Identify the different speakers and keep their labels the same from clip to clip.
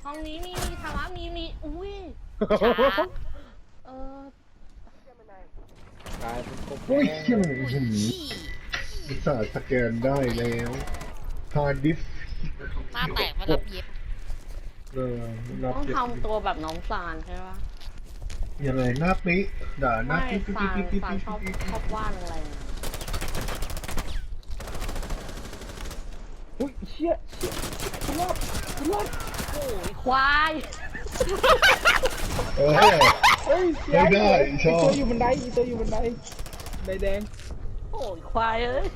Speaker 1: ห้องนี้มีธรรมะมีอุ้ยช้า
Speaker 2: กลายเป็นกบ
Speaker 3: โอ้ย
Speaker 2: แด
Speaker 3: เชี่ย
Speaker 2: ง
Speaker 3: อุตส่าห์สแกนได้แล้วฮาร์ดดิสก์
Speaker 4: หน้าแตกมารับเย็บ
Speaker 3: นับ
Speaker 1: ต้อง
Speaker 3: เจ็บ
Speaker 1: ทำตัวแบบน้องซานใช่ปะ
Speaker 3: ยังไงหน้าปิ๊ด่าหน้า
Speaker 1: ไม่
Speaker 3: ปิ๊
Speaker 1: ซานชอบวาดอะไรนะ
Speaker 2: อุ้ยเชี่ยคุณรอด
Speaker 1: โอ้ยควาย
Speaker 3: เออ
Speaker 2: เฮ้ยเชี่ย
Speaker 3: ไม่ได้ชอบ
Speaker 2: ตัวอยู่บันไดตัวอยู่บันไดใบแดง
Speaker 1: โอ้ยควายเอ้ย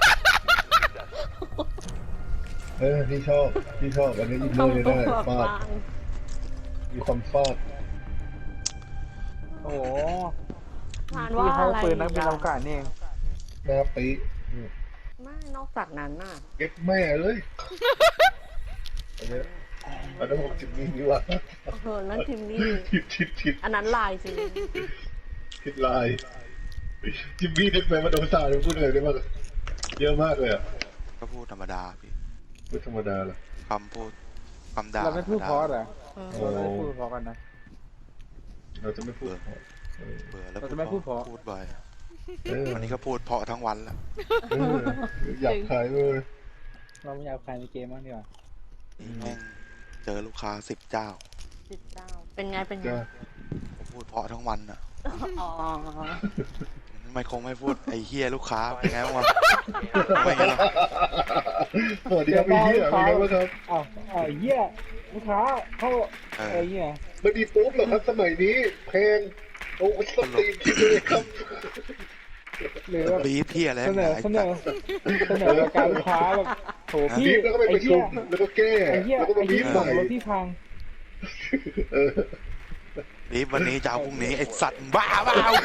Speaker 3: ที่ชอบอันนี้อินเนอร์
Speaker 1: ทำตัว
Speaker 3: ได้
Speaker 1: แบบ
Speaker 3: ฟาด
Speaker 1: บาง
Speaker 3: มีความฟาด
Speaker 2: โอ้โห
Speaker 1: ซาน
Speaker 2: ที่
Speaker 1: ว่า
Speaker 2: เขา
Speaker 1: อะไร
Speaker 2: ปืนนักบินอวกาศนี่เอง
Speaker 3: หน้าปิ๊
Speaker 1: ไม่นอกจากนั้นน่ะ
Speaker 3: เก็บแม่เลยอันนี้อันนั้น60นี่ว่า
Speaker 1: นั่นทิมมี่
Speaker 3: ผิด
Speaker 1: อันนั้นลายจริง
Speaker 3: ผิดลายจิมมี่นึกไปมาโดนสาดพูดอะไรได้บ้างเยอะมากเลยอ่ะ
Speaker 5: ก็พูดธรรมดาพี่
Speaker 3: ไม่ธรรมดาหรอก
Speaker 5: คำพูดคำด่า
Speaker 2: เราไม่พูดเพราะเหรอ
Speaker 3: โอ้
Speaker 2: เราไม่พูดเพราะกันนะ
Speaker 3: เราจะไม่พูด
Speaker 5: เบื่อแล้ว
Speaker 2: เราจะไม่พูดเพราะ
Speaker 5: พูดบ่อย
Speaker 3: เออ
Speaker 5: วันนี้ก็พูดเพราะทั้งวันแล้ว
Speaker 3: อยากขายเลย
Speaker 2: เราไม่อยากใครในเกมบ้างดีกว่า
Speaker 5: นี่แม่งเจอลูกค้า10 เจ้า
Speaker 1: 19เป็นไง
Speaker 3: จ้า
Speaker 5: ผมพูดเพราะทั้งวันอ่ะ
Speaker 1: อ๋อ
Speaker 5: ไม่คงไม่พูดไอ้เฮียลูกค้าเป็นไงบ้างวะไม่ไงหรอก
Speaker 3: สวัสดีครับพี่เป็นไงบ้างครับ
Speaker 2: อ้าวเหี้ยลูกค้าเข้าอะไรเงี้ย
Speaker 3: ไม่ดีปุ๊บหรอกครับสมัยนี้แพงโอ้สตีนคิดเลยครับ
Speaker 2: หรือแบบ
Speaker 5: บีบพี่อะไร
Speaker 2: เสนอ
Speaker 5: ไอ้
Speaker 2: เสน
Speaker 5: สั
Speaker 2: อ
Speaker 5: ตว์
Speaker 2: เสนอรายการลูกค้าแบบโหพี่
Speaker 3: บีบแล้วก็ไปประชุมแล้วก็แก้
Speaker 2: ไอ้เหี้ย
Speaker 3: แล้วก็
Speaker 2: ไอ้
Speaker 3: มาบี
Speaker 2: เหี้ย
Speaker 3: บใหม่
Speaker 2: รถที่พัง
Speaker 3: เออ
Speaker 5: บีบวันนี้จะเอาพรุ่งนี้ไอ้สัตว์บ้าเปล่า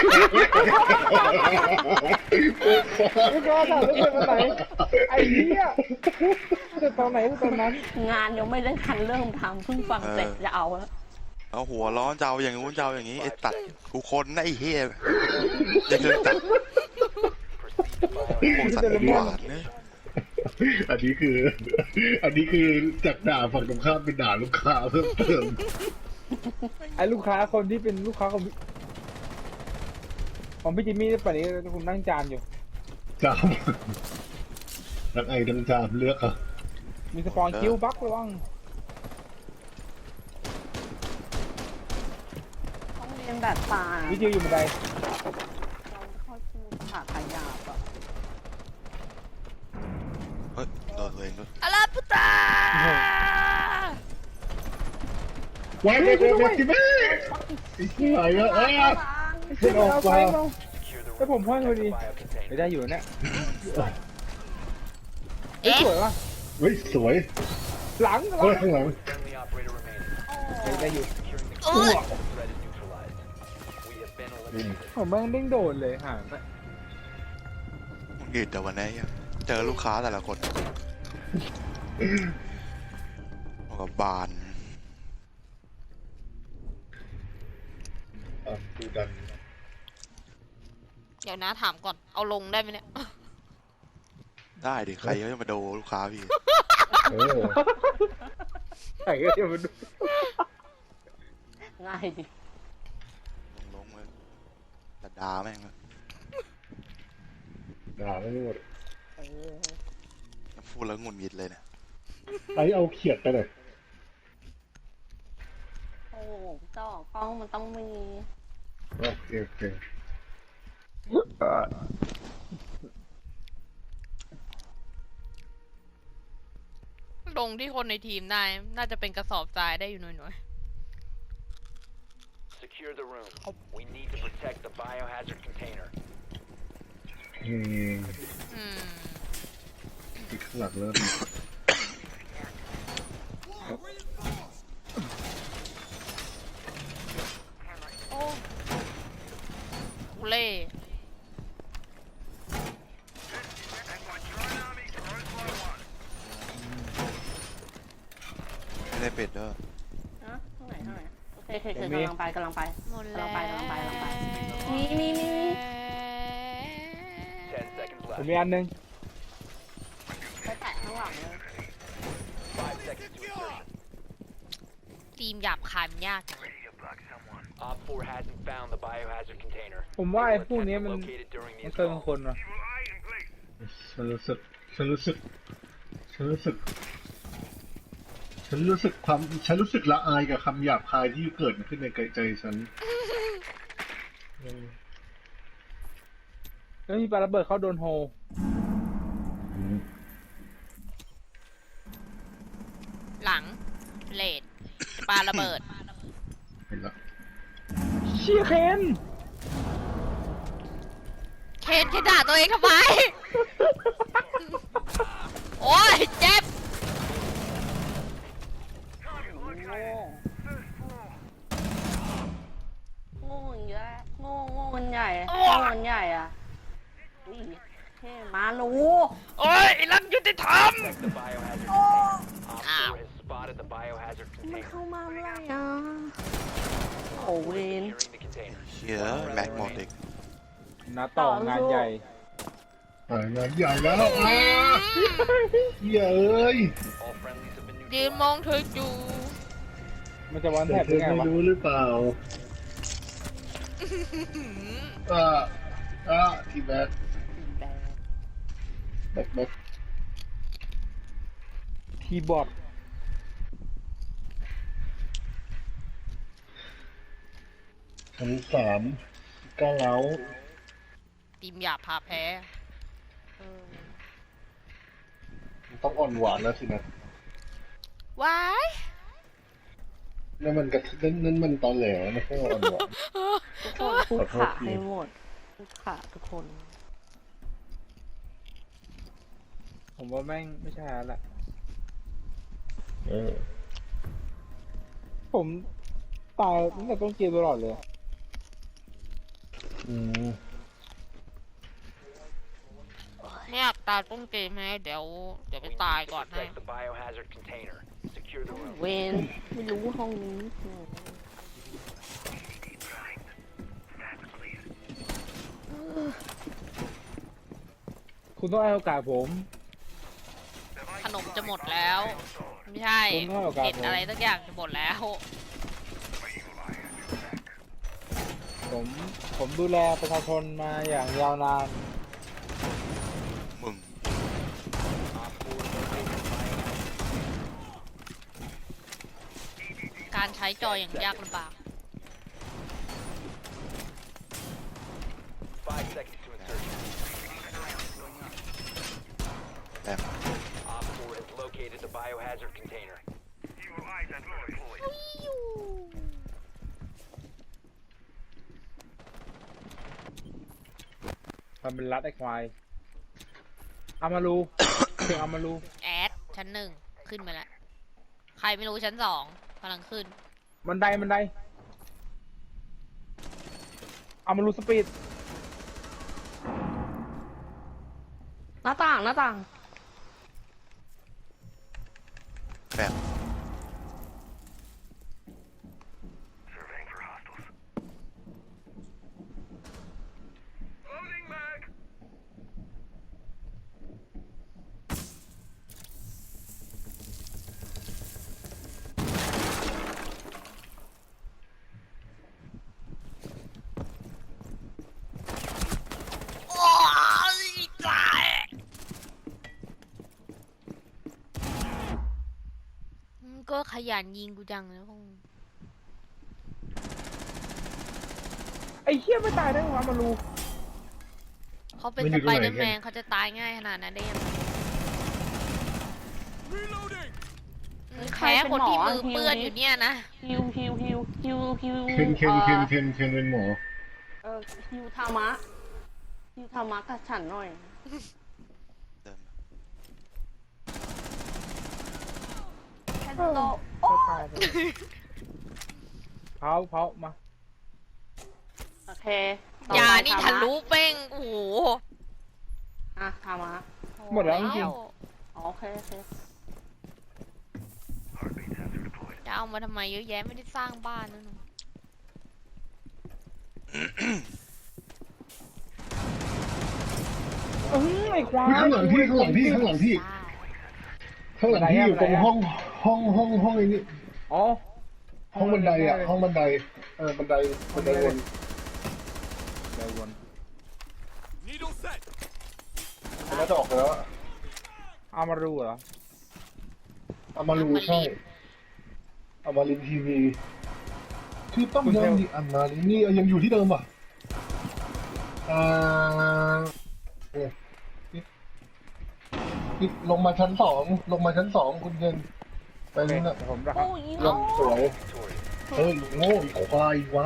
Speaker 2: ลูกค้าถามว่าเกิดวันไหนไอ้เหี้ยเกิดตอนไหนตอนนั้น
Speaker 1: งานยังไม่ได้ทันเริ่มทำเพิ่งฟังเสร็จจะเอาแล้ว
Speaker 5: เอาหัวร้อนจะเอาอย่างงู้นจะเอาอย่างนี้ไอ้ตัดกูคนนะไอ้เฮียจะเดินตัดพวกสัตว์หวานเนี่ย
Speaker 3: อันนี้คือจากด่าฝั่งตรงข้ามเป็นด่าลูกค้าเพิ่มเติม
Speaker 2: ไอ้ลูกค้าคนที่เป็นลูกค้าของพี่จิมมี่ป่านนี้ผมนั่งจานอยู่
Speaker 3: จามทั้งไอ้ทั้งจามเลือกอ่ะ
Speaker 2: มีสปอนคิวบักระวัง
Speaker 1: ต้องเรียนแบบตา
Speaker 2: วิจิวอยู่บันได
Speaker 1: เราไม่ค่อยพูดขาขยาบอะ
Speaker 5: เฮ้ยโดนตัวเองด้วย
Speaker 4: อาลาพุตา
Speaker 3: ไว้เลยจิแม่ไอ้ที่ไหนอะไม่ออก
Speaker 2: ไป
Speaker 3: มา
Speaker 2: แล้วผมพ่อพอดีไม่ได้อยู่เนี่ยเอ้ย
Speaker 4: เอ๊ะ
Speaker 2: สวยว่ะ
Speaker 3: เฮ้ยสวย
Speaker 2: หลัง
Speaker 3: เฮ้ยข้างหลัง
Speaker 2: ได้อยู่
Speaker 4: โอ้ย
Speaker 2: ผมแม่งเด้งโดดเลยห่างไป
Speaker 5: มึงหยุดแต่วันนี้เจอลูกค้าแต่ละคนเอากับบาน
Speaker 3: ดูดัน
Speaker 4: เดี๋ยวนะถามก่อน เอาลงได้ไหมเนี่ย
Speaker 5: ได้ดิใครเขาจะมาดูลูกค้าพี่
Speaker 3: เออ
Speaker 2: ไอ้ก็จะมาดู
Speaker 1: ง่ายดิ
Speaker 5: ลงเลยแต่ดาแม่งเลย
Speaker 3: ด่าไม่หมด
Speaker 5: พูดแล้วหงุดหงิดเลยเนี่ย
Speaker 3: ไอ้เอาเขียดไปเลย
Speaker 1: โอ้เจ้ากล้องมันต้องมี
Speaker 3: โอเค
Speaker 4: ลงที่คนในทีมได้ น่าจะเป็นกระสอบทรายได้อยู่หน่อย
Speaker 6: Secure the room. We need to protect the biohazard container.
Speaker 4: ๆ อืม
Speaker 3: อีกข้างหลังเริ่ม
Speaker 4: โอ้กูเล่
Speaker 5: ไม่ได้เป็ดเด้อ
Speaker 1: นะข้างไหนโอเคกำลังไป
Speaker 4: หมดแล้ว
Speaker 1: กำลังไปมี
Speaker 6: 10 seconds
Speaker 2: ผม
Speaker 6: left.
Speaker 2: มีอันนึง
Speaker 1: ไปแตะข้างหลังเลย
Speaker 6: 5 seconds to insertion.
Speaker 4: ทีมหยาบคายมันยากจัง
Speaker 6: Op 4 hasn't found the biohazard container.
Speaker 2: ผมว่าไอ้พวกนี้
Speaker 6: Attempt
Speaker 2: มัน
Speaker 6: located during the
Speaker 2: มันเกิน
Speaker 6: install.
Speaker 2: คนว่ะ
Speaker 3: ฉันรู้สึกละอายกับคำหยาบคายที่เกิดขึ้นในใจฉัน
Speaker 2: แล้วมีปาระเบิดเข้าโดนโฮ
Speaker 4: หลังเลดปาระเบิด
Speaker 3: เห็นละ
Speaker 2: เชี่ยเคน
Speaker 4: เคนแค่ด่าตัวเองทำไม โอ้ยเจ็บ
Speaker 1: โง่อย่างเงี้ยโง่มันใหญ่โง่มันใหญ่อ่ะอุ้ยเท่มาลู
Speaker 4: โอ้ยไอ้รักยุติธรรม
Speaker 6: Protect the biohazard container. Op 4
Speaker 4: Ow.
Speaker 6: has spotted the biohazard
Speaker 1: มัน
Speaker 6: container.
Speaker 1: เข้ามาเมื่อไหร่อ่ะโอ้เวน
Speaker 6: Securing the container.
Speaker 5: เชี่ยแม็กหมดอีก
Speaker 2: นาต่องานใหญ่
Speaker 3: งานใหญ่แล้วเย้ย
Speaker 6: All friendlies have been
Speaker 4: ยืนมองเธออยู่
Speaker 2: มันจะวัน
Speaker 3: แต่
Speaker 2: แท็บ
Speaker 3: เธ
Speaker 2: ได้
Speaker 3: อ
Speaker 2: ไง
Speaker 3: ไม่
Speaker 2: วะ
Speaker 3: รู้หรือเปล่าที่แม็ก
Speaker 2: คีย์บอร์ด
Speaker 3: ชั้น3ก้าวเล้า
Speaker 4: ทีมหยาบพาแพ้
Speaker 3: ต้องอ่อนหวานแล้วสินะ
Speaker 4: ว้าย
Speaker 3: นั่นมันตอนแหลไม่ใช่อ่อนหวาน
Speaker 1: ทุกคนพูดขาให้หมดพูดขาทุกคน
Speaker 2: ผมว่าแม่งไม่ใช่แล้วแหละ ผมตายตั้งแต่ต้นเกมตลอดเลย
Speaker 4: ไม่อยากตายต้นเกมไหมเดี๋ยวไปตายก่อนให้
Speaker 6: protect the biohazard container. Secure the room.
Speaker 1: เวนไม่รู้ห้องนี้
Speaker 2: คุณต้องให้โอกาสผม
Speaker 4: ขนมจะหมดแล้ว ไม่ใช่
Speaker 2: ผมให้โอกาส
Speaker 4: เห็ดอะไรสักอย่างจะหมดแล้ว
Speaker 2: ผมดูแลประชาชนมาอย่างยาวนาน
Speaker 5: มึง
Speaker 6: Op 4 located the biohazard.
Speaker 4: การใช้จออย่างยากลำบาก
Speaker 6: 5 seconds to insertion.
Speaker 5: แต้ม
Speaker 6: Op 4 has located the biohazard container.
Speaker 2: มันเป็นรัดไอ้ควายอามารูเสียงอามารู
Speaker 4: แอดชั้น 1 ขึ้นมาแล้ว ใครไม่รู้ชั้น 2กำลังขึ้น
Speaker 2: บันไดอามารูสปีด
Speaker 1: หน้าต่าง
Speaker 5: แบม
Speaker 4: โอ้ยตายก็ขยันยิงกูจังนะพวกมึง
Speaker 2: ไอ้เหี้ยไม่ตายได้ไงวะอามารู
Speaker 4: เขาเป็นสไปเดอร์แมนเขาจะตายง่ายขนาดนั้นได้ยังไงแพ้คนที่มือเปื้อนอยู่เนี่ยนะ
Speaker 1: ฮิว
Speaker 3: เคนเป็นหมอ
Speaker 1: ฮิวธรรมะกับฉันหน่อย
Speaker 5: เดิน
Speaker 1: แค่โตโอ้
Speaker 2: ตายไปเผามา
Speaker 1: โอเค
Speaker 4: ยานี่ทะลุเป้งโอ้โห
Speaker 1: ธรรมะ
Speaker 2: หมดแล้วจริง
Speaker 1: โอเค
Speaker 4: จะเอามาทำไมเยอะแยะไม่ได้สร้างบ้านนั่น
Speaker 2: ไอ้ควาย
Speaker 3: ข้างหลังพี่อยู่ตรงห้องไอ้นี่
Speaker 2: อ๋อ
Speaker 3: ห้องบันไดอ่ะห้องบันไดบันไดวน
Speaker 2: ได้วน
Speaker 3: มันน่าจะออกแล้วอะ
Speaker 2: เอามารูเหรอ
Speaker 3: เอามารูใช่เอามาลินทีวีคือต้มยำดิอันมาลินนี่ยังอยู่ที่เดิมป่ะนี่ลงมาชั้นสองคุณเงินไปนี่นะ
Speaker 2: ผมนะค
Speaker 1: โอ้
Speaker 2: รับ
Speaker 1: ย
Speaker 3: ลงสวย
Speaker 6: Victorious.
Speaker 3: เฮ้ยโง่อีกควายไว้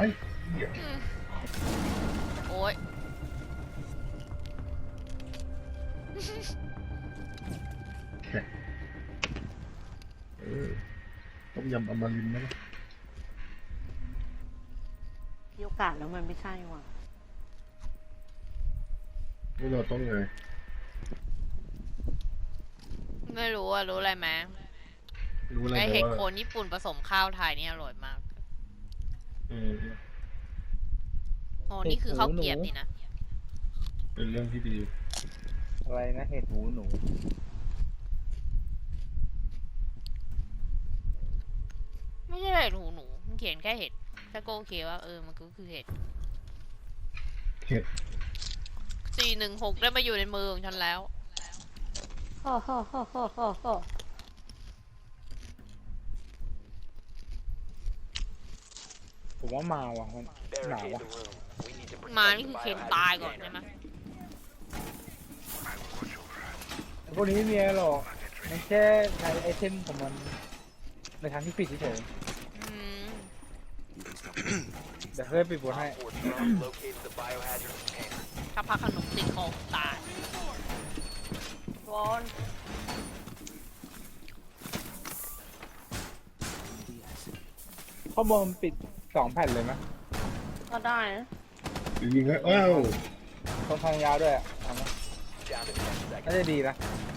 Speaker 4: โอ้ย
Speaker 3: ต้มยำอมรินทร์นะ
Speaker 1: มีโอกาสแล้วมันไม่ใช่ว่ะ
Speaker 3: นี่เราต้องไง
Speaker 4: ไม่รู้อะรู้อะไรไหม
Speaker 3: รู้อะไร
Speaker 4: ไอ
Speaker 3: ไหม
Speaker 4: เห็ด
Speaker 3: ว่า
Speaker 4: โคนญี่ปุ่นผสมข้าวไทยนี่อร่อยมาก
Speaker 3: อืม
Speaker 4: โอ้นี่คือข้าวเกรียบนี่นะ
Speaker 3: เป็นเรื่องที่ดี
Speaker 2: อะไรนะเห็ดหูหนู
Speaker 4: ไม่ใช่เห็ดหูหนูมันเขียนแค่เห็ดแต่ก็โอเคว่ามันก็คือเห็ด
Speaker 3: เห็ด
Speaker 4: 416ได้มาอยู่ในมือของฉันแล้ว
Speaker 1: ฮ่อฮ่อฮ่อฮ่อฮ่อฮ่อ
Speaker 2: ผมว่ามาว่ะมันหนาว
Speaker 6: Barricade
Speaker 2: ว่ะ
Speaker 6: the room. We need to
Speaker 4: มา
Speaker 6: protect
Speaker 4: นี่
Speaker 6: the
Speaker 4: คือเคน
Speaker 6: biohazard
Speaker 4: ตายก่อนใช่
Speaker 6: container.
Speaker 4: ไหม
Speaker 2: พวกนี้ไม่มีอะไรหรอกมันแค่ใช้ไอเทมของมันในทางที่ผิดเฉย
Speaker 4: อืม
Speaker 2: ๆเดี๋ยวเฮ้ยปิดบทให้
Speaker 6: Op 4 drone located the biohazard container.
Speaker 4: ถ้าพักขนมติดคอตาย
Speaker 1: บอล
Speaker 2: ข้อบนปิด2 แผ่นเลยไหม
Speaker 1: ก็ได้นะ
Speaker 3: ยิงให้อ้าว
Speaker 2: ตรงทางยาวด้วยอะทำไหม
Speaker 6: Down to 10
Speaker 2: น่า
Speaker 6: seconds.
Speaker 2: จะดีนะ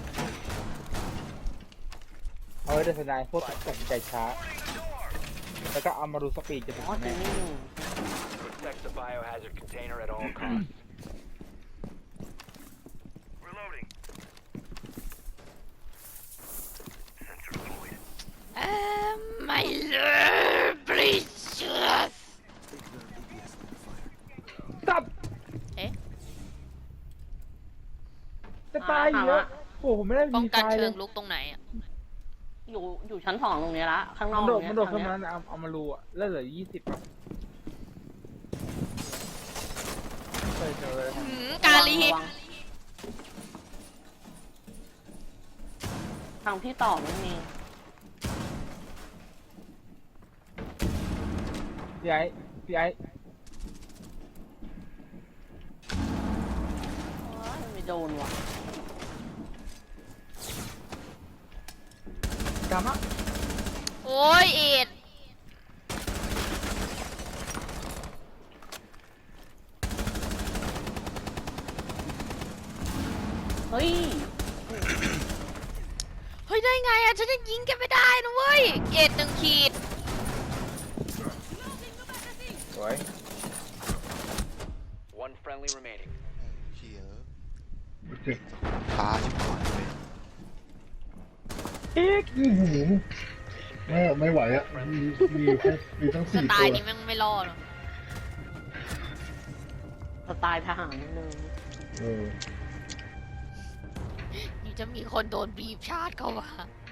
Speaker 2: เอาไว้เดินสนายพวกตัดสินใจช้า แล้วก็เอามาดูสปีดจะถึง
Speaker 1: อ๋อ
Speaker 2: ไหม
Speaker 1: จะไม่อยู่
Speaker 6: Protect the biohazard container at all costs.
Speaker 4: My lord precious
Speaker 2: ตับ
Speaker 4: เอ๊ะ
Speaker 2: จะตายอยู่แล้วโอ้โหผมไม่ได้
Speaker 4: ป้อง
Speaker 2: มี
Speaker 4: กัน
Speaker 2: ตายเล
Speaker 4: เชิ
Speaker 2: ย
Speaker 4: งลุกตรงไหนอ่ะ
Speaker 1: อยู่ชั้นสองตรงนี้ละ ข้างน
Speaker 2: มั
Speaker 1: อน ก
Speaker 2: โดด
Speaker 1: ตรง
Speaker 2: มันโดด
Speaker 1: ท
Speaker 2: ขึ้น
Speaker 1: ง
Speaker 2: มา
Speaker 1: เนี้ย
Speaker 2: แล้วเอามารูอะแล้วเหลือ20อะเคยเจอเลย
Speaker 4: กาลี
Speaker 1: ระวังทางพี่ต่อไม่มี
Speaker 2: พี่ไอ้
Speaker 1: โอ้ยไม่โดนว่ะ
Speaker 2: กามะ
Speaker 4: โอ้ยเอ็ด
Speaker 1: เฮ้ย
Speaker 4: เฮ้ยได้ไงอ่ะฉันยังยิงแกไม่ได้นะเว้ยเอ็ด1 ขีด
Speaker 2: สวย
Speaker 6: One friendly remaining.
Speaker 5: เชี่ย
Speaker 3: เจ็บ
Speaker 5: ช้าชิบหายเลย
Speaker 2: อีก
Speaker 3: ไม่ไหวอ่ะมีทั้ง
Speaker 4: ส
Speaker 3: 4
Speaker 4: ไต
Speaker 3: ตัว
Speaker 4: ล์นี้แมันไม่รอดหรอก
Speaker 1: สไตล์ทหารนิดนึง
Speaker 3: เออ
Speaker 4: นี่จะมีคนโดนบีบชาร์จเข้ามา